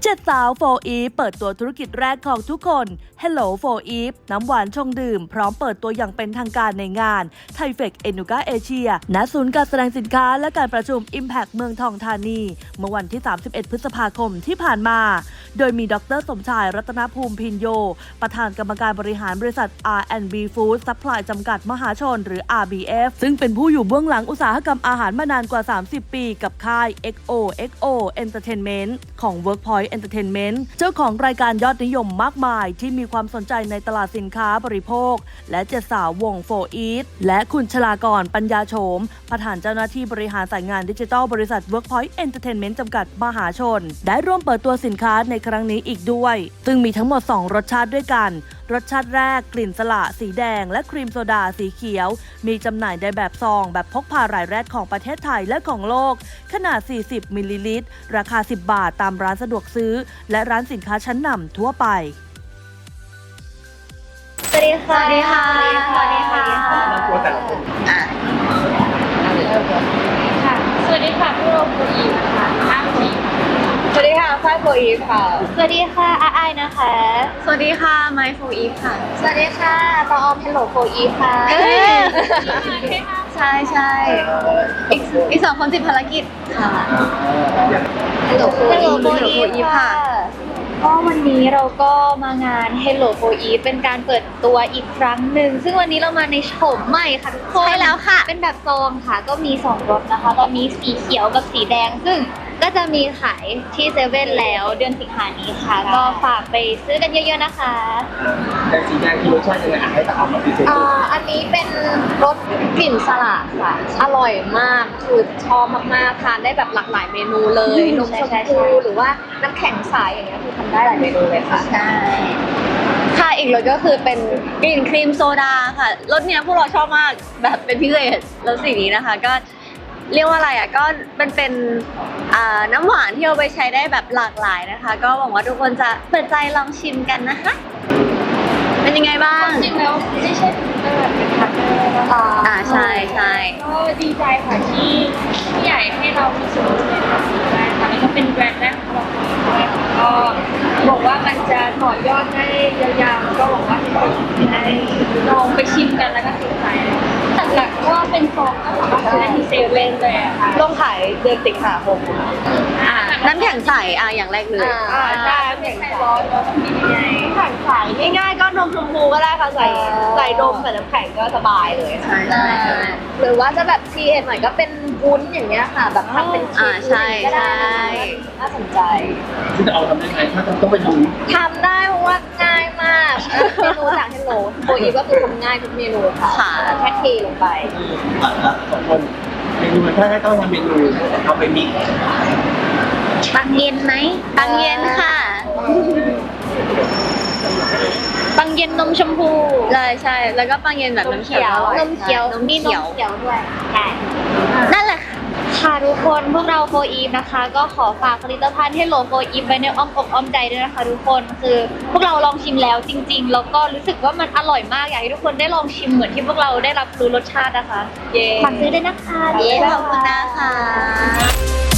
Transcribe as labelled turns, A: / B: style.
A: 7 สาวโฟอีฟเปิดตัวธุรกิจแรกของทุกคน Hello โฟอีฟน้ำหวานชงดื่มพร้อมเปิดตัวอย่างเป็นทางการในงานไทเฟกเอนูกาเอเชียณศูนย์การแสดงสินค้าและการประชุม Impact เมืองทองธานีเมื่อวันที่ 31 พฤษภาคมที่ผ่านมาโดยมีดร.สมชายรัตนภูมิพินโยประธานกรรมการบริหารบริษัท R&B Food Supply จำกัดมหาชนหรือ RBF ซึ่งเป็นผู้อยู่เบื้องหลังอุตสาหกรรมอาหารมานานกว่า 30 ปีกับค่าย XO Entertainment ของ Workpoint Entertainment เจ้าของรายการยอดนิยมมากมายที่มีความสนใจในตลาดสินค้าบริโภคและ7 สาววงโฟอีทและคุณชลากรปัญญาโฉมประธานเจ้าหน้าที่บริหารสายงานดิจิทัลบริษัท Workpoint Entertainment จำกัดมหาชนได้ร่วมเปิดตัวสินค้าในครั้งนี้อีกด้วยซึ่งมีทั้งหมด2รสชาติด้วยกันรสชาติแรกกลิ่นสละสีแดงและครีมโซดาสีเขียวมีจำหน่ายในแบบซองแบบพกพารายแรกของประเทศไทยและของโลกขนาด40มิลลิลิตรราคา10 บาทตามร้านสะดวกซื้อและร้านสินค้าชั้นนำทั่วไป
B: สวัสดีค่ะ สวัสดีค่ะ สวัสดีค่ะ
C: ตัวแต่ละคน
B: สวัสดีค่ะพี่โรบูอีนะคะอ้ามจี
D: สวัสดีค่ะฝ้ายโฟอีฟค่ะ
B: สวัสดีค่ะอาไอนะคะ
D: สวัสดีค่ะไมค์โฟอีฟค่ะ
B: สวัสดีค่ะตองออมเฮลโลโฟอีฟค่ะ
D: ใช่ใช่อีก2 คนติดภารกิจค่ะ
B: เฮลโลโฟอีฟค่ะก็วันนี้เราก็มางาน Hello for Eve เป็นการเปิดตัวอีกครั้งหนึ่งซึ่งวันนี้เรามาในโฉมใหม่ค่ะทุกคน
D: ใช่แล้วค่ะ
B: เป็นแบบซองค่ะก็มี2 รสนะคะตอนนี้สีเขียวกับสีแดงซึ่งก็จะมีขายที่เซเว่นแล้วเดือนสิงหานี้ค่ะก็ฝากไปซื้อกันเยอะๆนะคะ
C: แต่สีแดงที่รสชาติยังไงให้ตามมาพิเศษ
D: อันนี้เป็นรสกลิ่นสลัดค่ะอร่อยมากคือชอบมากๆทานได้แบบหลากหลายเมนูเลยนมชมพูหรือว่าน้ำแข็งใสอย่างเงี้ยคือทำได้หลายเมนูเลยค่ะ
B: ใช่
D: ค่ะอีกรสก็คือเป็นกลิ่นครีมโซดาค่ะรสเนี้ยพวกเราชอบมากแบบเป็นพิเศษรสสีนี้นะคะก็เรียกว่าอะไรอ่ะก็เป็นน้ำหวานที่เอาไปใช้ได้แบบหลากหลายนะคะก็หวังว่าทุกคนจะเปิดใจลองชิมกันนะคะเป็นยังไงบ้าง
B: จริงแล้วไม่ใช่เป็นพาร์ทเนอร์นะคะ
D: ใช่ใช่
B: ก็ดีใจค่ะที่ผู้ใหญ่ให้เรามีส่วนร่วมในการซื้อได้ค่ะแล้วก็เป็นแบรนด์แรกของเราด้วยก็บอกว่ามันจะต่อยอดได้ยาวๆก็หวังว่าทุกคนจะได้ลองไปชิมกันแล้วก็ติดใจหลักๆก็เป็นฟองก็สามารถซื้อได้ที่เซเว่นเลยค่ะ
D: ลงขายเดือนสิงหาคมน้ำแข็งใสอย่างแรกเลย
B: ใช่น้ำแข็งร้อนแล้วก็มีไง
D: น้ำแข็งใสง่ายๆก็นมชมพูก็ได้ค่ะใส่นมใส่น้ำแข็งก็สบายเลย
B: ใช่
D: หรือว่าจะแบบทีเอ็นหน่อยก็เป็นวุ้นอย่างเงี้ยค่ะแบบทำเป็นชีสก็ได้น่าสนใจ
C: ที่จะเอาทำได้ไงถ้าต้องไปดู
D: ทำได้เพราะว่าง่ายมากเมนูจาก Hello โฟอีฟก็คือทำง่ายทุกเมนูค่ะแค่เทลงไป
C: 2 คนเมนูถ้าให้ต้องทำเมนูเอาไปมิก
B: ปังเย็นไหม
D: ปังเย็นค่ะ
B: ปังเย็นนมชมพู
D: ใช่แล้วก็ปังเย็นแบบน้ำเขียวน
B: มเขียวมีนมเขียวด้วยใช่
D: นั่นแหละ
B: ค่ะทุกคนพวกเราโฟอีฟนะคะก็ขอฝากผลิตภัณฑ์Hello for Eveไว้ในอ้อมอกอ้อมใจด้วยนะคะทุกคนคือพวกเราลองชิมแล้วจริงๆแล้วก็รู้สึกว่ามันอร่อยมากอยากให้ทุกคนได้ลองชิมเหมือนที่พวกเราได้รับรู้รสชาตินะคะฝากซื้อด้วยนะคะ
D: ขอบคุณนะคะ